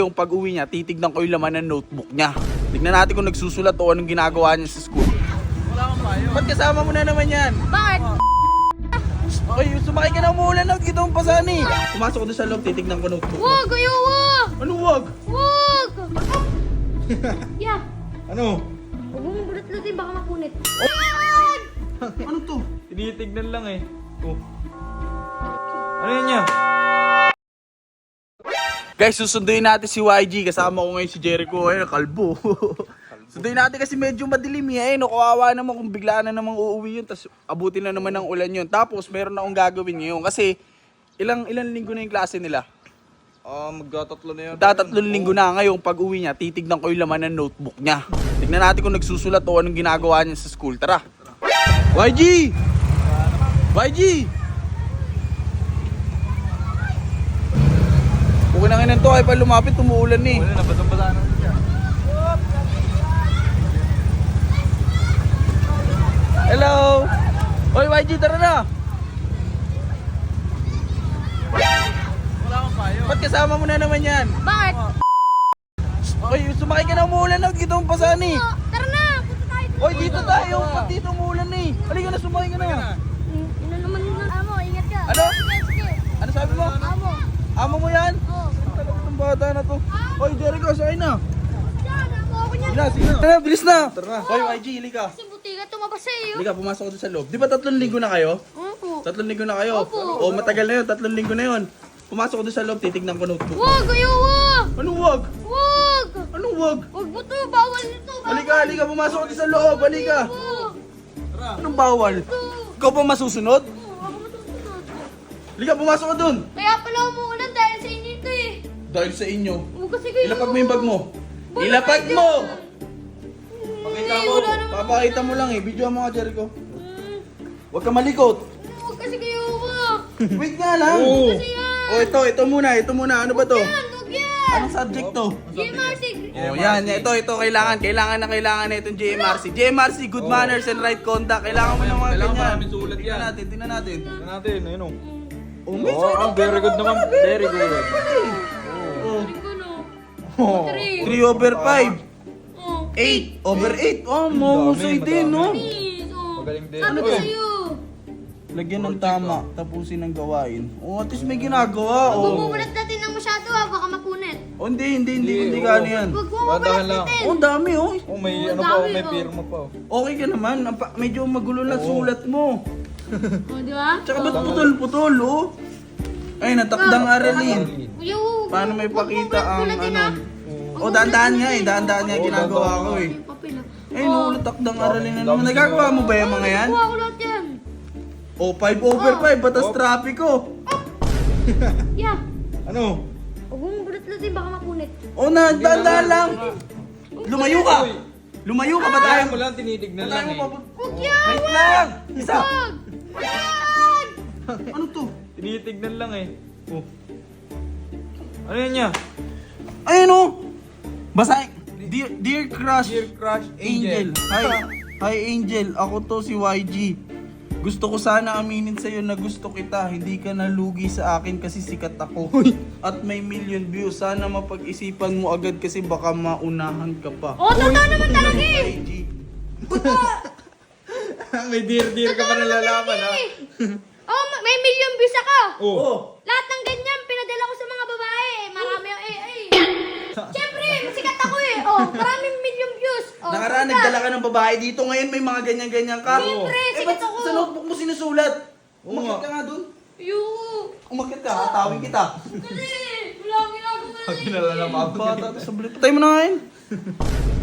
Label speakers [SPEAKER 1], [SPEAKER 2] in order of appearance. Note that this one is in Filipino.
[SPEAKER 1] Yung pag-uwi niya, titignan ko yung laman ng notebook niya. Tignan natin kung nagsusulat o anong ginagawa niya sa school. Wala akong payo. Ba't kasama mo na naman yan?
[SPEAKER 2] Bakit?
[SPEAKER 1] Ay, sumakay ka na, umuulan na. Dito ang pasan eh. Pumasok ko doon sa loob, titignan ko notebook.
[SPEAKER 2] Wag! Ayaw! Wag!
[SPEAKER 1] Ano wag?
[SPEAKER 2] Wag! Yeah!
[SPEAKER 1] Ano?
[SPEAKER 2] Huwag mong bulat-lutin, baka mapunit.
[SPEAKER 1] Ano to?
[SPEAKER 3] Tinitignan lang eh. Oh. Ano yun niya?
[SPEAKER 1] Guys, susunduin natin si YG. Kasama ko ngayon si Jericho. Ayun, kalbo. Sunduin natin kasi medyo madilim eh. No, kawawa naman kung biglaan na namang uuwi yun. Tapos abutin na naman ng ulan yun. Tapos meron na akong gagawin ngayon. Kasi ilang linggo na yung klase nila.
[SPEAKER 3] Magtatatlo na yun.
[SPEAKER 1] Tatlong linggo na ngayon. Pag uwi niya, titignan ko yung laman ng notebook niya. Tignan natin kung nagsusulat o anong ginagawa niya sa school. Tara. YG! YG! Okay na ngayon to. Ay pa lumapit, umuulan eh.
[SPEAKER 3] Wala na, basang-basa na siya.
[SPEAKER 1] Hello! Hoy YG, tara na!
[SPEAKER 3] Wala akong payo.
[SPEAKER 1] Ba't kasama mo na naman yan?
[SPEAKER 2] Bakit?
[SPEAKER 1] Hoy, sumakay ka na, umuulan na. Dito ang pasan eh.
[SPEAKER 2] Tara na! Punta tayo!
[SPEAKER 1] Hoy, dito tayo. Ba't dito umuulan eh? Halika na, sumakay ka na.
[SPEAKER 2] Ina naman yun. Amo, ingat ka.
[SPEAKER 1] Ano?
[SPEAKER 2] Sige, sige.
[SPEAKER 1] Ano sabi mo?
[SPEAKER 2] Amo.
[SPEAKER 1] Amo mo yan?
[SPEAKER 2] Oo.
[SPEAKER 1] Ang tagal itong bata na to. Hoy, Jericho, sakay na.
[SPEAKER 2] Diyan, amo ako niya.
[SPEAKER 1] Sige na. Tara, bilis na. Tara. Hoy, YG, halika.
[SPEAKER 2] Kasi butika tumabas sa'yo.
[SPEAKER 1] Halika, pumasok ko doon sa loob. Di ba 3 linggo na kayo?
[SPEAKER 2] Opo.
[SPEAKER 1] 3 linggo na kayo?
[SPEAKER 2] Opo.
[SPEAKER 1] O, matagal na yun. 3 linggo na yun. Pumasok ko doon sa loob, titignan ko notebook.
[SPEAKER 2] Wag! Ayaw! Wag!
[SPEAKER 1] Anong wag?
[SPEAKER 2] Wag!
[SPEAKER 1] Anong wag?
[SPEAKER 2] Wag mo to! Bawal nito! Bawal!
[SPEAKER 1] Halika, halika, pumasok ko doon sa loob. Halika.
[SPEAKER 2] Wag!
[SPEAKER 1] Anong bawal? Ikaw pa masusunod?
[SPEAKER 2] Ako matutunod.
[SPEAKER 1] Halika, pumasok ko doon.
[SPEAKER 2] Kaya pala umuulan dahil sa inyo ito eh.
[SPEAKER 1] Dahil sa inyo.
[SPEAKER 2] Huwag kasi kayo.
[SPEAKER 1] Ilapag mo yung bag mo.
[SPEAKER 2] Wala
[SPEAKER 1] Ilapag
[SPEAKER 2] kayo
[SPEAKER 1] mo!
[SPEAKER 2] dyan.
[SPEAKER 1] Pakita
[SPEAKER 2] Hindi,
[SPEAKER 1] mo.
[SPEAKER 2] wala naman.
[SPEAKER 1] Papakita mo lang eh. Video mo nga, Jericho. Huwag ka malikot.
[SPEAKER 2] Huwag kasi kayo wag.
[SPEAKER 1] Wait nga lang.
[SPEAKER 3] Oo.
[SPEAKER 2] Kasi yan.
[SPEAKER 1] O, ito muna. Ano ba to?
[SPEAKER 2] Yan, huwag yan.
[SPEAKER 1] Anong subject to?
[SPEAKER 2] GMRC.
[SPEAKER 1] Oh, yan. Ito. Kailangan na itong JMRC. JMRC, good manners and right conduct. Kailangan mo ng mga
[SPEAKER 3] Kailangan
[SPEAKER 1] ganyan.
[SPEAKER 3] maraming sulat yan.
[SPEAKER 1] Tingnan natin.
[SPEAKER 3] Tignan natin, ayun oh.
[SPEAKER 1] Oh, may
[SPEAKER 3] Oh,
[SPEAKER 1] sulat
[SPEAKER 3] very
[SPEAKER 1] ka
[SPEAKER 3] good naman. Very good.
[SPEAKER 1] Oh,
[SPEAKER 2] Rin ko no.
[SPEAKER 3] Oh.
[SPEAKER 1] 3 over 5.
[SPEAKER 2] Oh.
[SPEAKER 1] 8 over 8. Oh, mahusay
[SPEAKER 3] Madami,
[SPEAKER 1] din, no?
[SPEAKER 2] Please. Oh.
[SPEAKER 3] Magaling din.
[SPEAKER 2] Sabi ko
[SPEAKER 1] Ano?
[SPEAKER 2] sa'yo.
[SPEAKER 1] Lagyan ng tama, tapusin ng gawain. Oh, at least may ginagawa.
[SPEAKER 2] Huwag
[SPEAKER 1] Oh,
[SPEAKER 2] mo mulat natin ng masyado ha. Baka mapunit.
[SPEAKER 1] oh hindi
[SPEAKER 3] Hindi,
[SPEAKER 1] gano yan.
[SPEAKER 2] Huwag mo
[SPEAKER 3] Dahan
[SPEAKER 2] mulat
[SPEAKER 3] lang.
[SPEAKER 2] natin.
[SPEAKER 1] Oh, dami, oh.
[SPEAKER 3] Oh, may
[SPEAKER 2] Oh,
[SPEAKER 3] ano pa, oh,
[SPEAKER 2] dami,
[SPEAKER 3] may
[SPEAKER 2] oh.
[SPEAKER 3] pirma pa oh.
[SPEAKER 1] Okay ka naman. Medyo magulo lang sulat mo.
[SPEAKER 2] Oh, di ba?
[SPEAKER 1] Tsaka ba't putol-putol, oh? Ay, natakdang aralin.
[SPEAKER 2] Kuya, huwag
[SPEAKER 1] Paano
[SPEAKER 2] mo-
[SPEAKER 1] may
[SPEAKER 2] huwag mo
[SPEAKER 1] pakita ang
[SPEAKER 2] mulat-mulatin,
[SPEAKER 1] ano?
[SPEAKER 2] ha?
[SPEAKER 1] Oh, dahan-dahan nga eh. Dahan-dahan nga
[SPEAKER 3] Oh,
[SPEAKER 1] ginagawa
[SPEAKER 3] dahan-dahan
[SPEAKER 1] ko eh.
[SPEAKER 2] Yung papel, ha?
[SPEAKER 1] Ay, no, takdang aralin na naman. Nagagawa mo ba yung mga yan?
[SPEAKER 2] Kuha ko lahat yan.
[SPEAKER 1] Oh, 5 over 5. Batas traffic ko.
[SPEAKER 2] Yeah.
[SPEAKER 1] Ano?
[SPEAKER 2] Huwag mo bulat-lutin, baka mapunit.
[SPEAKER 1] Oh, dahan-dahan lang. Lumayo ka. Lumayo ka ba tayo?
[SPEAKER 3] Ayaw mo lang, tinitignan lang eh.
[SPEAKER 2] Huwag yan!
[SPEAKER 1] Wait lang. Isa.
[SPEAKER 2] Wag! Wag!
[SPEAKER 1] Ano to?
[SPEAKER 3] Tinitignan lang eh. Oh. Ano yun niya?
[SPEAKER 1] Ayun oh. Basahin. Dear Crush
[SPEAKER 3] Dear Crush
[SPEAKER 1] Angel. Hi Angel. Ako to si YG. Gusto ko sana aminin sa'yo na gusto kita. Hindi ka nalugi sa akin kasi sikat ako. At may million views. Sana mapag-isipan mo agad kasi baka maunahan ka pa.
[SPEAKER 2] Oh, totoo naman talaga eh!
[SPEAKER 1] YG.
[SPEAKER 3] May dear ka pa nalalaman ha.
[SPEAKER 2] Oh, may million views ako!
[SPEAKER 3] Oh.
[SPEAKER 1] Oh.
[SPEAKER 2] Lahat ng ganyan, pinadala ko sa mga babae. Marami yung Siyempre, sikat ako eh. Oh, maraming million views. Oh,
[SPEAKER 1] Nakaraan,
[SPEAKER 2] sikat.
[SPEAKER 1] nagdala ka ng babae dito. Ngayon may mga ganyan-ganyan ka.
[SPEAKER 2] Siyempre,
[SPEAKER 1] Eh,
[SPEAKER 2] sikat
[SPEAKER 1] ba't
[SPEAKER 2] ako.
[SPEAKER 1] sa notebook mo sinusulat?
[SPEAKER 3] Oo
[SPEAKER 1] Umakit
[SPEAKER 3] nga.
[SPEAKER 1] ka nga dun.
[SPEAKER 2] Yoo.
[SPEAKER 1] Umakit ka, hatawin kita.
[SPEAKER 2] Kasi, wala akong ginagawa eh.
[SPEAKER 3] Pag kinala na
[SPEAKER 1] Bata, sa bulit. Patay mo na ngayon.